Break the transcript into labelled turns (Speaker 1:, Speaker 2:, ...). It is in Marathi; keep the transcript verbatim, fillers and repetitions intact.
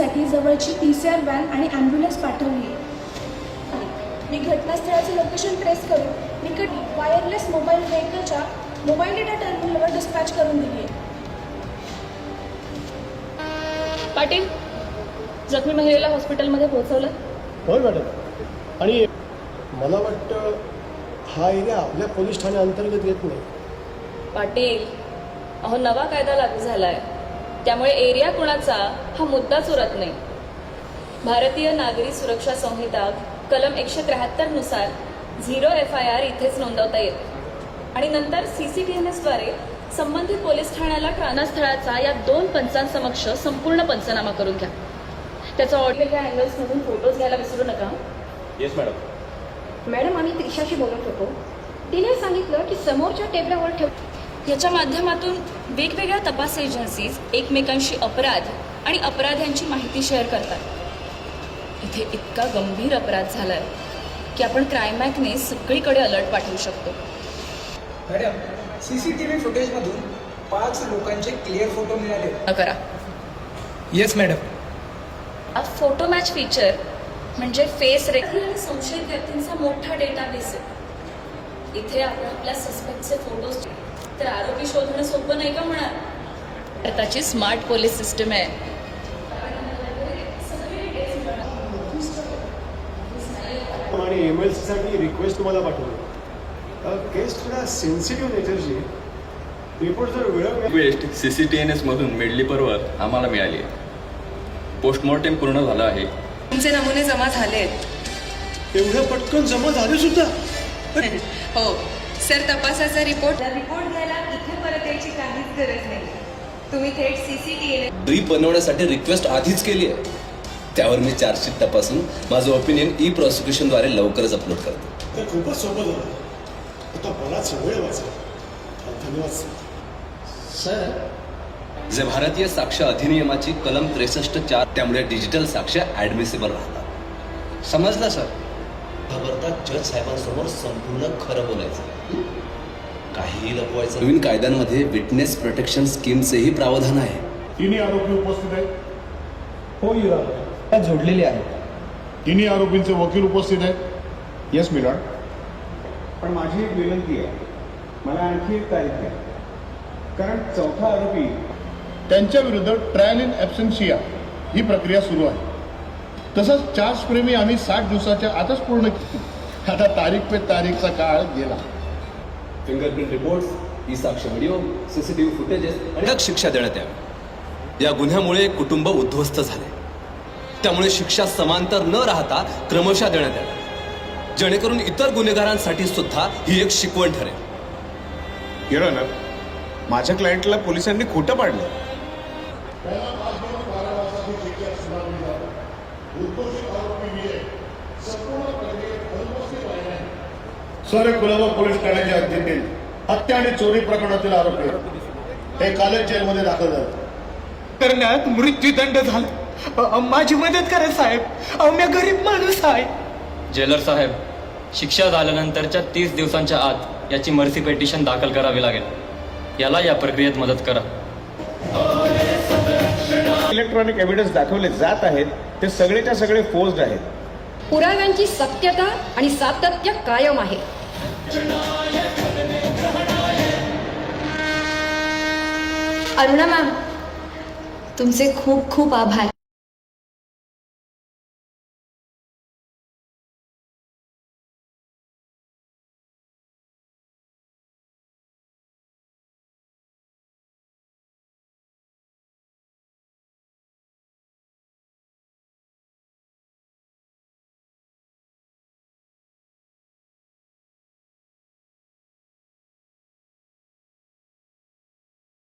Speaker 1: तपासणीसाठी जवळची पी सी आर व्हॅन आणि ॲम्ब्युलन्स पाठवली आहे. मी घटनास्थळाचे लोकेशन ट्रेस करून निकट वायरलेस मोबाईल व्हेकलच्या मोबाईल डेटा टर्मिनलवर डिस्पॅच करून दिली आहे.
Speaker 2: पाटील, जखमी महिलेला हॉस्पिटलमध्ये पोहोचवलं?
Speaker 3: होय मॅडम. आणि मला वाटतं हा एरिया आपल्या पोलीस ठाण्या अंतर्गत येत नाही.
Speaker 2: पाटील, अहो नवा कायदा लागू झालाय, त्यामुळे एरिया कुणाचा हा मुद्दाच उरत नाही. भारतीय नागरी सुरक्षा संहिता कलम एकशे त्र्याहत्तर नुसार झिरो एफ आय आर इथेच नोंदवता येते आणि नंतर सी सी टी एन एसद्वारे संबंधित पोलीस ठाण्याला घटनास्थळाचा या दोन पंचांसमक्ष संपूर्ण पंचनामा करून घ्या. त्याचा ऑडिओ अँगल्समधून फोटोज घ्यायला विसरू नका.
Speaker 4: Yes madam.
Speaker 5: मॅडम, आम्ही त्रिशाशी बोलत होतो. तिने सांगितलं की समोरच्या टेबलावर ठेव.
Speaker 2: याच्या माध्यमातून वेगवेगळ्या तपास एजन्सीज एकमेकांशी अपराध आणि अपराध्यांची माहिती शेअर करतात. इथे इतका गंभीर अपराध झालाय की आपण क्राईमॅकने सगळीकडे अलर्ट पाठवू शकतो.
Speaker 6: मॅडम, सीसीटीव्ही फुटेजमधून पाच लोकांचे क्लिअर फोटो मिळाले.
Speaker 2: करा.
Speaker 6: Yes madam.
Speaker 2: हा फोटो मॅच फीचर म्हणजे फेस रेकॉर्ड आणि संशयित व्यक्तींचा मोठा डेटाबेस आहे. इथे आपण आपल्या सस्पेक्टचे फोटोज तर आरोपी शोधणं सोपं नाही का म्हणा. भारताची स्मार्ट पोलीस सिस्टम आहे.
Speaker 3: आणि एम एल सीसाठी रिक्वेस्ट तुम्हाला पाठवली. केस थोडा सेन्सिटिव्ह नेचरची. रिपोर्ट जर वेळ
Speaker 4: request C C T N S मधून मेडली परवर आम्हाला मिळाली आहे. पोस्टमॉर्टम पूर्ण झालं आहे.
Speaker 7: तुमचे नमुने जमा झाले आहेत.
Speaker 3: एवढ्या पटकन जमा झाले सुद्धा?
Speaker 7: हो सर, तपासाचा रिपोर्ट रिपोर्ट घ्यायला इथे परत यायची काहीच गरज नाही. तुम्ही थेट सीसीटीव्ही
Speaker 8: ब्रीफ बनवण्यासाठी रिक्वेस्ट आधीच केली आहे. त्यावर मी चार्जशीट तपासून माझं ओपिनियन ई प्रॉसिक्युशनद्वारे लवकरच अपलोड करतो.
Speaker 3: तर खूपच सोपं झालं. आता बराच वेळ वाचला. धन्यवाद
Speaker 8: सर. जे भारतीय साक्ष अधिनियमाची कलम त्रेसष्ट चार, त्यामुळे डिजिटल साक्ष ऍडमिसिबल राहतात. समजलं सर? खबरदार जज साहेबांसमोर संपूर्ण खरं बोलायचं, काहीही लपवायचं. नवीन कायद्यांमध्ये विटनेस प्रोटेक्शन स्कीमचेही प्रावधान आहे.
Speaker 9: तिन्ही आरोपी उपस्थित आहेत?
Speaker 10: हो युवा जोडलेले आहेत.
Speaker 9: तिन्ही आरोपींचे वकील उपस्थित आहेत?
Speaker 10: Yes milord. पण माझी एक विनंती आहे, मला आणखी एक तारीख द्या, कारण चौथा आरोपी
Speaker 9: त्यांच्या विरुद्ध ट्रायल इन ॲब्सेन्शिया ही प्रक्रिया सुरू आहे. तसंच चार्ज प्रेमी आम्ही साठ दिवसाच्या आतच पूर्ण केली. आता तारीख पे तारीखचा काळ गेला.
Speaker 8: फिंगरप्रिंट रिपोर्ट्स, ई साक्ष व्हिडिओ, सीसीटीव्ही फुटेजेस कडक शिक्षा देण्यात यावी. या गुन्ह्यामुळे कुटुंब उद्ध्वस्त झाले, त्यामुळे शिक्षा समांतर न राहता क्रमशः देण्यात यावी, जेणेकरून इतर गुन्हेगारांसाठी सुद्धा ही एक शिकवण ठरेल.
Speaker 10: युअर ऑनर, माझ्या क्लायंटला पोलिसांनी खोटं पाडलं.
Speaker 9: सर, कुलाबा पोलीस ठाण्याच्या हद्दीतील हत्या आणि चोरी प्रकरणातील आरोपी हे कालच जेलमध्ये दाखल झाले.
Speaker 6: करण्यात मृत्यूदंड झाला. अ, माझी मदत करा साहेब. अहो, मी गरीब माणूस आहे.
Speaker 11: जेलर साहेब, शिक्षा झाल्यानंतरच्या तीस दिवसांच्या आत याची मर्सी पेटिशन दाखल करावी लागेल. याला या प्रक्रियेत मदत करा.
Speaker 10: इलेक्ट्रॉनिक एव्हिडन्स दाखवले जात आहेत ते सगळेच्या सगळे फोर्स्ड आहेत.
Speaker 5: पुराव्यांची सत्यता आणि सातत्य कायम आहे.
Speaker 12: अरुणा मॅम, तुमचे खूप खूप आभार.